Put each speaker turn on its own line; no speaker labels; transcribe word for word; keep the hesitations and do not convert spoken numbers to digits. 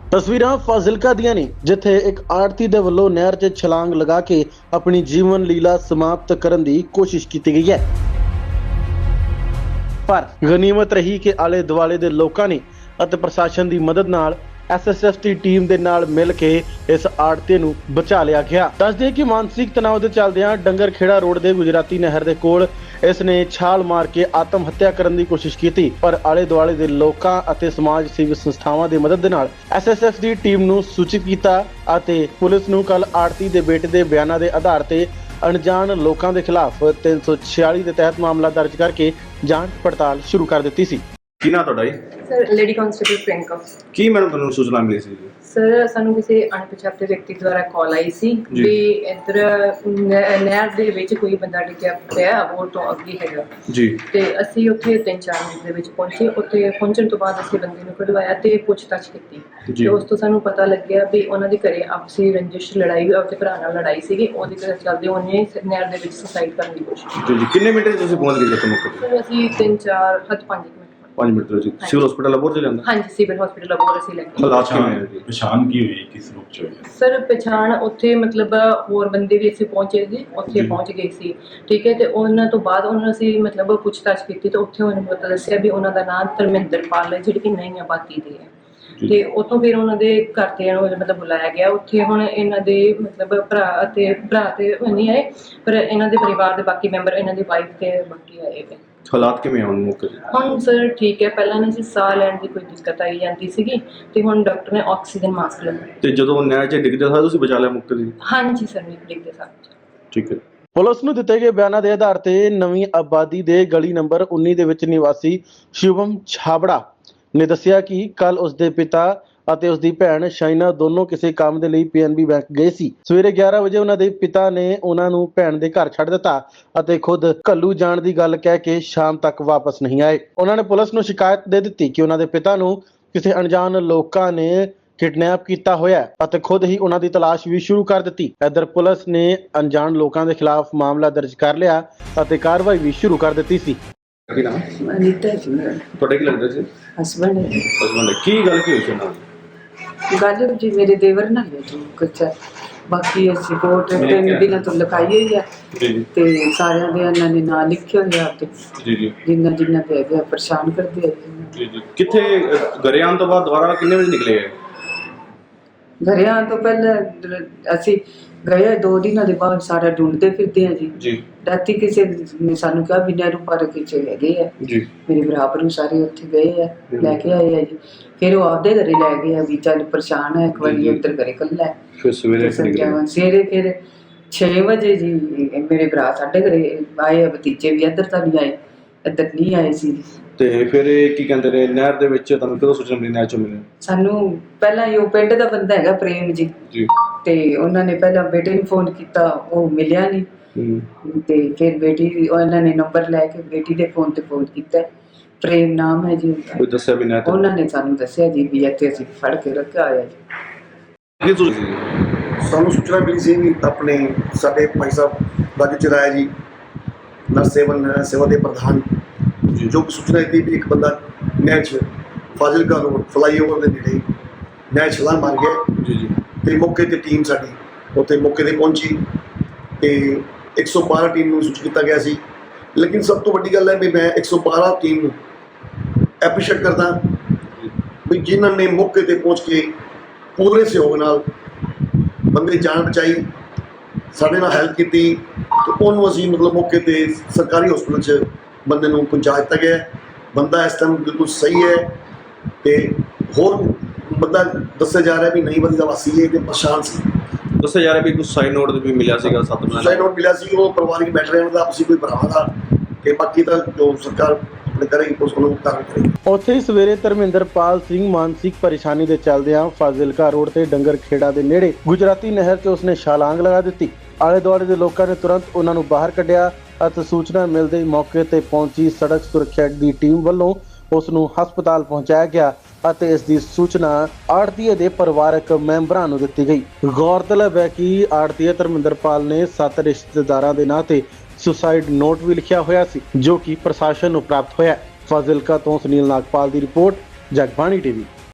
ਤਸਵੀਰਾਂ ਫਾਜ਼ਿਲਕਾ ਦੀਆਂ ਨੇ, ਜਿੱਥੇ ਇੱਕ ਆੜਤੀ ਦੇ ਵੱਲੋਂ ਨਹਿਰ 'ਚ ਛਲਾਂਗ ਲਗਾ ਕੇ ਆਪਣੀ ਜੀਵਨ ਲੀਲਾ ਸਮਾਪਤ ਕਰਨ ਦੀ ਕੋਸ਼ਿਸ਼ ਕੀਤੀ ਗਈ ਹੈ। ਪਰ ਗਨੀਮਤ ਰਹੀ ਕਿ ਆਲੇ ਦੁਆਲੇ ਦੇ ਲੋਕਾਂ ਨੇ ਅਤੇ ਪ੍ਰਸ਼ਾਸਨ ਦੀ ਮਦਦ ਨਾਲ ਐਸ ਐਸ ਐਫ ਦੀ ਟੀਮ ਦੇ ਨਾਲ ਮਿਲ ਕੇ ਇਸ ਆੜਤੀ ਨੂੰ ਬਚਾ ਲਿਆ ਗਿਆ। ਦੱਸਦੇ ਕਿ ਮਾਨਸਿਕ ਤਣਾਅ ਦੇ ਚੱਲਦਿਆਂ ਡੰਗਰ ਖੇੜਾ ਰੋਡ ਦੇ ਗੁਜਰਾਤੀ ਨਹਿਰ ਦੇ ਕੋਲ ਇਸ ਨੇ ਛਾਲ ਮਾਰ ਕੇ ਆਤਮ ਹੱਤਿਆ ਕਰਨ ਦੀ ਕੋਸ਼ਿਸ਼ ਕੀਤੀ, ਪਰ ਆਲੇ ਦੁਆਲੇ ਦੇ ਲੋਕਾਂ ਅਤੇ ਸਮਾਜ ਸੇਵੀ ਸੰਸਥਾਵਾਂ ਦੀ ਮਦਦ ਦੇ ਨਾਲ ਐਸ ਐਸ ਐਫ ਦੀ ਟੀਮ ਨੂੰ ਸੂਚਿਤ ਕੀਤਾ ਅਤੇ ਪੁਲਿਸ ਨੂੰ ਕੱਲ ਆੜਤੀ ਦੇ ਬੇਟੇ ਦੇ ਬਿਆਨਾਂ ਦੇ ਆਧਾਰ ਤੇ ਅਣਜਾਣ ਲੋਕਾਂ ਦੇ ਖਿਲਾਫ ਤਿੰਨ ਸੌ ਛਿਆਲੀ ਦੇ ਤਹਿਤ ਮਾਮਲਾ ਦਰਜ ਕਰਕੇ ਜਾਂਚ ਪੜਤਾਲ ਸ਼ੁਰੂ ਕਰ ਦਿੱਤੀ ਸੀ।
ਕੀ ਨਾਂ ਤੁਹਾਡਾ ਜੀ?
Sir lady constable Priyanka.
ਕੀ ਮੈਡਮ ਤੁਹਾਨੂੰ ਸੂਚਨਾ ਮਿਲੀ ਸੀ?
ਸਰ ਸਾਨੂੰ ਕਿਸੇ ਅਣਪਛਾਤੇ ਵਿਅਕਤੀ ਦੁਆਰਾ ਕਾਲ ਆਈ ਸੀ ਵੀ ਇੱਧਰ ਨਹਿਰ ਦੇ ਵਿੱਚ ਕੋਈ ਬੰਦਾ ਡਿੱਗਿਆ ਪਿਆ ਉਹ ਤੋਂ ਅੱਗੇ ਹੈਗਾ
ਜੀ।
ਤੇ ਅਸੀਂ ਉੱਥੇ ਤਿੰਨ ਚਾਰ ਮਿੰਟ ਦੇ ਵਿੱਚ ਪਹੁੰਚੇ। ਉੱਥੇ ਪਹੁੰਚਣ ਤੋਂ ਬਾਅਦ ਅਸੀਂ ਬੰਦੇ ਨੂੰ ਕਢਵਾਇਆ ਤੇ ਪੁੱਛਤਾਛ ਕੀਤੀ ਤੇ ਉਸ ਤੋਂ ਸਾਨੂੰ ਪਤਾ ਲੱਗਿਆ ਵੀ ਉਹਨਾਂ ਦੇ ਘਰੇ ਆਪਸੀ ਰੰਜਿਸ਼ ਲੜਾਈ ਆਪਣੇ ਭਰਾ ਨਾਲ ਲੜਾਈ ਸੀਗੀ। ਉਹਦੇ ਘਰ ਚੱਲਦੇ ਉਹਨੇ ਨਹਿਰ ਦੇ ਵਿੱਚ ਸੁਸਾਈਡ ਕਰਨ ਦੀ ਕੋਸ਼ਿਸ਼ ਕੀਤੀ।
ਜੀ ਕਿੰਨੇ ਮਿੰਟ ਤੁਸੀਂ ਪਹੁੰਚ ਗਏ ਉੱਥੇ ਮੌਕੇ ਤੇ?
ਸਰ ਅਸੀਂ ਤਿੰਨ ਚਾਰ ਹੱਦ ਪੰਜ ਮਿੰਟ
ਪੰਜ ਮਿੰਟ ਤੋਂ ਜੀ ਸਿਵਲ ਹਸਪੀਟਲ ਅਬੋਰ ਚ ਜਾਂਦਾ?
ਹਾਂਜੀ ਸਿਵਲ ਹਸਪੀਟਲ ਅਬੋਰ ਅਸੀਂ ਲੈ ਗਏ।
ਹਾਲਾਤ ਕਿਵੇਂ ਹੈ ਜੀ?
ਪਛਾਣ ਕੀ ਹੋਈ, ਕਿਸ ਰੂਪ ਚ ਹੋਈ?
ਸਰ ਪਛਾਣ ਉੱਥੇ ਮਤਲਬ ਹੋਰ ਬੰਦੇ ਵੀ ਅਸੀਂ ਪਹੁੰਚੇ ਸੀ, ਉੱਥੇ ਪਹੁੰਚ ਗਏ ਸੀ, ਠੀਕ ਹੈ। ਤੇ ਉਹਨਾਂ ਤੋਂ ਬਾਅਦ ਉਹਨਾਂ ਅਸੀਂ ਮਤਲਬ ਪੁੱਛਤਾਛ ਕੀਤੀ ਤਾਂ ਉੱਥੇ ਉਹਨੇ ਪਤਾ ਦੱਸਿਆ ਵੀ ਉਹਨਾਂ ਦਾ ਨਾਮ ਧਰਮਿੰਦਰ ਪਾਲ ਹੈ, ਜਿਹੜੀ ਕਿ ਨਈ ਆਬਾਦੀ ਦੇ ਹੈ। ਤੇ ਉੱਥੋਂ ਫਿਰ ਉਹਨਾਂ ਦੇ ਘਰਦਿਆਂ ਨੂੰ ਮਤਲਬ ਬੁਲਾਇਆ ਗਿਆ। ਉੱਥੇ ਹੁਣ ਇਹਨਾਂ ਦੇ ਮਤਲਬ ਭਰਾ ਅਤੇ ਭਰਾ ਤੇ ਨਹੀਂ ਆਏ, ਪਰ ਇਹਨਾਂ ਦੇ ਪਰਿਵਾਰ ਦੇ ਬਾਕੀ ਮੈਂਬਰ, ਇਹਨਾਂ ਦੀ ਵਾਈਫ ਤੇ ਬਾਕੀ ਆਏ ਗਏ।
ਹਾਲਾਤ ਕਿਵੇਂ ਹੁਣ ਮੌਕੇ ਤੇ?
ਹੁਣ ਸਰ ਠੀਕ ਹੈ। ਪਹਿਲਾਂ ਨਾ ਸੀ ਸਾਹ ਲੈਣ ਦੀ ਕੋਈ ਦਿੱਕਤ ਆਈ ਜਾਂਦੀ ਸੀਗੀ ਤੇ ਹੁਣ ਡਾਕਟਰ ਨੇ ਆਕਸੀਜਨ ਮਾਸਕ ਲਗਾਇਆ।
ਤੇ ਜਦੋਂ ਨਹਿਰ 'ਚ ਡਿੱਗਦੇ ਸਾਰ ਤੁਸੀਂ ਬਚਾ ਲਿਆ ਮੌਕੇ ਤੇ?
ਹਾਂਜੀ ਸਰ ਨਹੀਂ ਡਿੱਗਦੇ ਸਾਰ।
ਠੀਕ ਹੈ।
ਪੁਲਿਸ ਨੂੰ ਦਿੱਤੇ ਗਏ ਬਿਆਨਾਂ ਦੇ ਆਧਾਰ ਤੇ ਨਵੀਂ ਆਬਾਦੀ ਦੇ ਗਲੀ ਨੰਬਰ ਉੱਨੀ ਦੇ ਵਿੱਚ ਨਿਵਾਸੀ ਸ਼ਿਵਮ ਛਾਬੜਾ ਨੇ ਦੱਸਿਆ ਕਿ ਕੱਲ ਉਸ ਦੇ ਪਿਤਾ ਅਤੇ ਉਸ ਦੀ ਭੈਣ ਸ਼ਾਇਨਾ ਦੋਨੋਂ ਕਿਸੇ ਕੰਮ ਦੇ ਲਈ ਪੀ ਐਨ ਬੀ ਬੈਂਕ ਗਏ ਸੀ। ਸਵੇਰੇ ਗਿਆਰਾਂ ਵਜੇ ਉਹਨਾਂ ਦੇ ਪਿਤਾ ਨੇ ਉਹਨਾਂ ਨੂੰ ਭੈਣ ਦੇ ਘਰ ਛੱਡ ਦਿੱਤਾ ਅਤੇ ਖੁਦ ਘੱਲੂ ਜਾਣ ਦੀ ਗੱਲ ਕਹਿ ਕੇ ਸ਼ਾਮ ਤੱਕ ਵਾਪਸ ਨਹੀਂ ਆਏ। ਉਹਨਾਂ ਨੇ ਪੁਲਿਸ ਨੂੰ ਸ਼ਿਕਾਇਤ ਦੇ ਦਿੱਤੀ ਕਿ ਉਹਨਾਂ ਦੇ ਪਿਤਾ ਨੂੰ ਕਿਸੇ ਅਣਜਾਣ ਲੋਕਾਂ ਨੇ ਕਿਡਨੈਪ ਕੀਤਾ ਹੋਇਆ ਅਤੇ ਖੁਦ ਹੀ ਉਹਨਾਂ ਦੀ ਤਲਾਸ਼ ਵੀ ਸ਼ੁਰੂ ਕਰ ਦਿੱਤੀ। ਇੱਧਰ ਪੁਲਿਸ ਨੇ ਅਣਜਾਣ ਲੋਕਾਂ ਦੇ ਖਿਲਾਫ ਮਾਮਲਾ ਦਰਜ ਕਰ ਲਿਆ ਅਤੇ ਕਾਰਵਾਈ ਵੀ ਸ਼ੁਰੂ ਕਰ ਦਿੱਤੀ ਸੀ।
ਕੀ ਨਾਮ?
ਅਨੀਤਾ ਜੀ
ਤੁਹਾਡੇ ਕੀ ਲੱਗਦਾ ਸੀ?
ਹਸਬੈਂਡ ਹੈ।
ਹਸਬੰਡ। ਕੀ ਗੱਲ ਕੀ ਹੋਈ ਸੀ ਨਾਲ?
ਗੱਲ ਜੀ ਮੇਰੇ ਦੇਵਰ ਨਾਲ ਹੈ ਜੀ ਕੁਛ। ਬਾਕੀ ਅਸੀਂ ਕੋਰਟ ਤਿੰਨ ਦਿਨਾਂ ਤੋਂ ਲਿਖਾਈ ਹੋਈ ਆ ਤੇ ਸਾਰਿਆਂ ਦੇ ਇਹਨਾਂ ਨੇ ਨਾਂ ਲਿਖੇ ਹੋਏ ਆ ਤੇ
ਜੀ ਜੀ
ਜਿੰਨਾ ਜਿੰਨਾ ਪੈ ਗਿਆ ਪਰੇਸ਼ਾਨ ਕਰਦੇ ਆ
ਜੀ ਜੀ। ਕਿੱਥੇ ਘਰੇ ਆਉਣ ਤੋਂ ਬਾਅਦ ਦੁਬਾਰਾ ਕਿੰਨੇ ਵਜੇ ਨਿਕਲੇ?
ਘਰੇ ਆਉਣ ਤੋਂ ਪਹਿਲਾਂ ਅਸੀਂ ਗਏ ਦੋ ਦਿਨਾਂ ਦੇ ਬਾਅਦ ਸਾਰਾ ਢੂੰਡਦੇ ਫਿਰਦੇ ਆ ਜੀ
ਜੀ।
ਰਾਤੀ ਕਿਸੇ ਨੇ ਸਾਨੂੰ ਕਿਹਾ ਵੀ ਨਹਿਰੂ ਪਾਰਕ ਵਿੱਚ ਹੈਗੇ ਆ
ਜੀ।
ਮੇਰੇ ਬਰਾਬਰ ਨੂੰ ਸਾਰੇ ਉੱਥੇ ਗਏ ਆ, ਲੈ ਕੇ ਆਏ ਆ ਜੀ। ਫਿਰ ਉਹ ਆਪਦੇ ਘਰੇ ਲੈ ਗਏ ਆ ਵੀ ਚੱਲ ਪਰੇਸ਼ਾਨ ਹੈ ਇੱਕ ਵਾਰੀ ਉੱਧਰ ਘਰੇ ਕੱਲਾ ਹੈ।
ਫਿਰ ਸਵੇਰੇ ਨਿਕਲੇ?
ਸਵੇਰੇ ਫਿਰ ਛੇ ਵਜੇ ਜੀ ਮੇਰੇ ਭਰਾ ਸਾਡੇ ਘਰੇ ਆਏ ਆ, ਭਤੀਜੇ ਵੀ ਇੱਧਰ ਤਾਂ ਨਹੀਂ ਆਏ, ਇੱਧਰ ਨਹੀਂ ਆਏ ਸੀ।
ਤੇ ਫਿਰ ਇਹ ਕੀ ਕਹਿੰਦੇ ਨੇ ਨਹਿਰ ਦੇ ਵਿੱਚ ਤੁਹਾਨੂੰ ਕਦੋਂ ਸੂਚਨਾ ਮਿਲੀ ਨਹਿਰ ਚੋਂ ਮਿਲੇ?
ਸਾਨੂੰ ਪਹਿਲਾਂ ਹੀ ਉਹ ਪਿੰਡ ਦਾ ਬੰਦਾ ਹੈਗਾ ਪ੍ਰੇਮ ਜੀ
ਜੀ
ਤੇ ਉਹਨਾਂ ਨੇ ਪਹਿਲਾਂ ਬੇਟੇ ਨੂੰ ਫੋਨ ਕੀਤਾ, ਉਹ ਮਿਲਿਆ ਨਹੀਂ ਤੇ ਫਿਰ ਬੇਟੀ ਉਹਨਾਂ ਨੇ ਨੰਬਰ ਲੈ ਕੇ ਬੇਟੀ ਦੇ ਫੋਨ ਤੇ ਫੋਨ ਕੀਤਾ। ਪ੍ਰੇਮ ਨਾਮ ਹੈ ਜੀ
ਕੋਈ ਦੱਸਿਆ ਵੀ ਨਹਿਰ?
ਉਹਨਾਂ ਨੇ ਸਾਨੂੰ ਦੱਸਿਆ ਜੀ ਵੀ ਇੱਥੇ ਅਸੀਂ ਫੜ ਕੇ ਰੱਖਿਆ ਹੋਇਆ ਜੀ।
ਕੀ ਸੂਚਨਾ?
ਸਾਨੂੰ ਸੂਚਨਾ ਮਿਲੀ ਸੀ ਵੀ ਆਪਣੇ ਸਾਡੇ ਭਾਈ ਸਾਹਿਬ ਰਾਜੂ ਚਰਾਇਆ ਜੀ ਨਰ ਸੇਵਨ ਸੇਵਾ ਦੇ ਪ੍ਰਧਾਨ ਜੋ ਸੂਚਨਾ ਦਿੱਤੀ ਵੀ ਇੱਕ ਬੰਦਾ ਨਹਿਰ 'ਚ ਫਾਜ਼ਿਲਕਾ ਰੋਡ ਫਲਾਈਓਵਰ ਦੇ ਨੇੜੇ ਨਹਿਰ ਛਲਾਂਗ ਮਾਰ ਗਿਆ
ਜੀ ਜੀ।
ਤੇ ਮੌਕੇ ਤੇ ਟੀਮ ਸਾਡੀ ਉੱਥੇ ਮੌਕੇ ਤੇ ਪਹੁੰਚੀ ਤੇ ਇੱਕ ਸੌ ਬਾਰਾਂ ਟੀਮ ਨੂੰ ਸੂਚਿਤ ਕੀਤਾ ਗਿਆ ਸੀ। ਲੇਕਿਨ ਸਭ ਤੋਂ ਵੱਡੀ ਗੱਲ ਹੈ ਵੀ ਮੈਂ ਇੱਕ ਸੌ ਬਾਰਾਂ ਟੀਮ ਨੂੰ ਐਪਰੀਸ਼ੀਏਟ ਕਰਦਾ ਵੀ ਜਿਨ੍ਹਾਂ ਨੇ ਮੌਕੇ ਤੇ ਪਹੁੰਚ ਕੇ ਪੂਰੇ ਸਹਿਯੋਗ ਨਾਲ ਬੰਦੇ ਦੀ ਜਾਨ ਬਚਾਈ, ਸਾਡੇ ਨਾਲ ਹੈਲਪ ਕੀਤੀ ਤੇ ਉਹਨੂੰ ਅਸੀਂ ਮਤਲਬ ਮੌਕੇ ਤੇ ਸਰਕਾਰੀ ਹਸਪਤਾਲ 'ਚ ਬੰਦੇ ਨੂੰ ਪਹੁੰਚਾ ਦਿੱਤਾ ਗਿਆ। ਬੰਦਾ ਇਸ ਟਾਈਮ ਬਿਲਕੁਲ ਸਹੀ ਹੈ ਤੇ ਹੋਰ ਬੰਦਾ ਦੱਸਿਆ ਜਾ ਰਿਹਾ ਵੀ ਨਹੀਂ ਬੰਦੇ ਦਾ ਵਾਸੀ ਹੈ ਤੇ ਪਰੇਸ਼ਾਨ ਸੀ।
ਦੱਸਿਆ ਜਾ ਰਿਹਾ ਵੀ ਕੁਝ ਸਾਈਨ ਨੋਟ ਵੀ ਮਿਲਿਆ ਸੀਗਾ ਸੱਤ ਬੰਦਿਆਂ
ਸਾਈਨ ਨੋਟ ਮਿਲਿਆ ਸੀ, ਉਹ ਪਰਿਵਾਰਿਕ ਮੈਟਰ ਹੈ ਉਹਦਾ ਆਪਸੀ ਕੋਈ ਭਰਾਵਾਂ ਦਾ ਤੇ ਬਾਕੀ ਤਾਂ ਜੋ ਸਰਕਾਰ ਆਪਣੇ ਕਰੇਗੀ ਪੁਲਿਸ ਕੋਲੋਂ ਕਾਰਵਾਈ ਕਰੇਗੀ।
ਉੱਥੇ ਹੀ ਸਵੇਰੇ ਧਰਮਿੰਦਰਪਾਲ ਸਿੰਘ ਮਾਨਸਿਕ ਪਰੇਸ਼ਾਨੀ ਦੇ ਚੱਲਦਿਆਂ ਫਾਜ਼ਿਲਕਾ ਰੋਡ ਤੇ ਡੰਗਰ ਖੇੜਾ ਦੇ ਨੇੜੇ ਗੁਜਰਾਤੀ ਨਹਿਰ 'ਚ ਉਸਨੇ ਛਲਾਂਗ ਲਗਾ ਦਿੱਤੀ। ਆਲੇ ਦੁਆਲੇ ਦੇ ਲੋਕਾਂ ਨੇ ਤੁਰੰਤ ਉਹਨਾਂ ਨੂੰ ਬਾਹਰ ਕੱਢਿਆ ਅਤੇ ਸੂਚਨਾ ਮਿਲਦੇ ਹੀ ਮੌਕੇ ਤੇ ਪਹੁੰਚੀ ਸੜਕ ਸੁਰੱਖਿਆ ਦੀ ਟੀਮ ਵੱਲੋਂ ਉਸ ਨੂੰ ਹਸਪਤਾਲ ਪਹੁੰਚਾਇਆ ਗਿਆ ਅਤੇ ਇਸ ਦੀ ਸੂਚਨਾ ਆੜਤੀਏ ਦੇ ਪਰਿਵਾਰਕ ਮੈਂਬਰਾਂ ਨੂੰ ਦਿੱਤੀ ਗਈ। ਗੌਰਤਲਬ ਹੈ ਕਿ ਆੜਤੀਏ ਧਰਮਿੰਦਰਪਾਲ ਨੇ ਸੱਤ ਰਿਸ਼ਤੇਦਾਰਾਂ ਦੇ ਨਾਂ ਤੇ ਸੁਸਾਈਡ ਨੋਟ ਵੀ ਲਿਖਿਆ ਹੋਇਆ ਸੀ, ਜੋ ਕਿ ਪ੍ਰਸ਼ਾਸਨ ਨੂੰ ਪ੍ਰਾਪਤ ਹੋਇਆ। ਫਾਜ਼ਿਲਕਾ ਤੋਂ ਸੁਨੀਲ ਨਾਗਪਾਲ ਦੀ ਰਿਪੋਰਟ, ਜਗਬਾਣੀ ਟੀਵੀ।